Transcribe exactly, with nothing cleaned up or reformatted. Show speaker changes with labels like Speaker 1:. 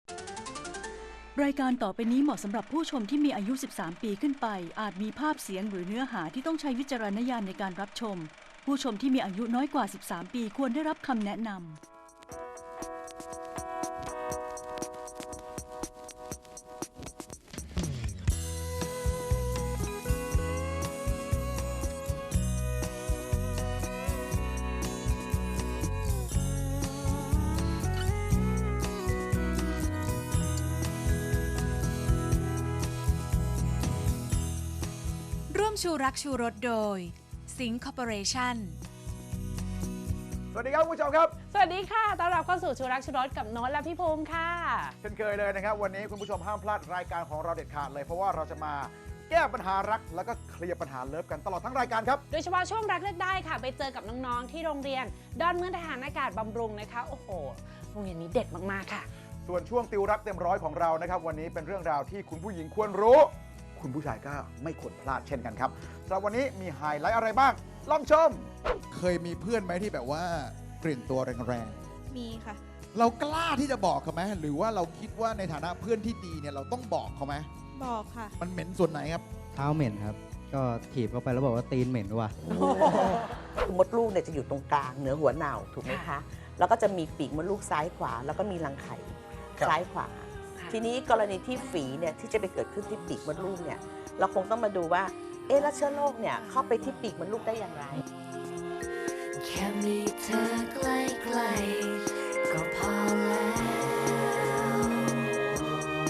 Speaker 1: รายการต่อไปนี้เหมาะสำหรับผู้ชมที่มีอายุ สิบสาม ปีขึ้นไป อาจมีภาพเสียงหรือเนื้อหาที่ต้องใช้วิจารณญาณในการรับชม ผู้ชมที่มีอายุน้อยกว่า สิบสาม ปีควรได้รับคำแนะนำ
Speaker 2: ร่วมชูรักชูรสโดยสิงห์คอร์ปอเรชั่น
Speaker 3: สวัสดีครับผู้ชมครับ
Speaker 4: สวัสดีค่ะต้อนรับเข้าสู่ชูรักชูรสกับโน้ตและพี่ภูมิค่ะ
Speaker 3: เช่นเคยเลยนะครับวันนี้คุณผู้ชมห้ามพลาดรายการของเราเด็ดขาดเลยเพราะว่าเราจะมาแก้ปัญหารักแล้วก็เคลียร์ปัญหาเลิฟกันตลอดทั้งรายการครับ
Speaker 4: โดยเฉพาะช่วงรักเลือกได้ค่ะไปเจอกับน้องๆที่โรงเรียนดอนเมืองทหารอากาศบำรุงนะคะโอ้โหโรงเรียนนี้เด็ดมากๆค่ะ
Speaker 3: ส่วนช่วงติวรักเต็มร้อยของเรานะครับวันนี้เป็นเรื่องราวที่คุณผู้หญิงควรรู้คุณผู้ชายก็ไม่ควรพลาดเช่นกันครับสำหรับวันนี้มีไฮไลท์อะไรบ้างลองชมเคยมีเพื่อนไหมที่แบบว่ากลิ่นตัวแรง
Speaker 5: ๆมีค่ะ
Speaker 3: เรากล้าที่จะบอกเขาไหมหรือว่าเราคิดว่าในฐานะเพื่อนที่ดีเนี่ยเราต้องบอกเขาไหม
Speaker 5: บอกค่ะ
Speaker 3: มันเหม็นส่วนไหนครับ
Speaker 6: เท้าเหม็นครับก็ถีบเข้าไปแล้วบอกว่าตีนเหม็นว่ะ
Speaker 7: มดลูกเนี่ยจะอยู่ตรงกลางเหนือหัวเหน่าถูกไหมคะแล้วก็จะมีปีกมดลูกซ้ายขวาแล้วก็มีรังไข่ซ้ายขวาทีนี้กรณีที่ฝีเนี่ยที่จะไปเกิดขึ้นที่ปีกมดลูกเนี่ยเราคงต้องมาดูว่าเอ๊ะแล้วเชื้อโรคเนี่ยเข้าไปที่ปีกมดลูกได้อย่างไร
Speaker 8: แค่มีเธอใกล้ๆก็พอแล้ว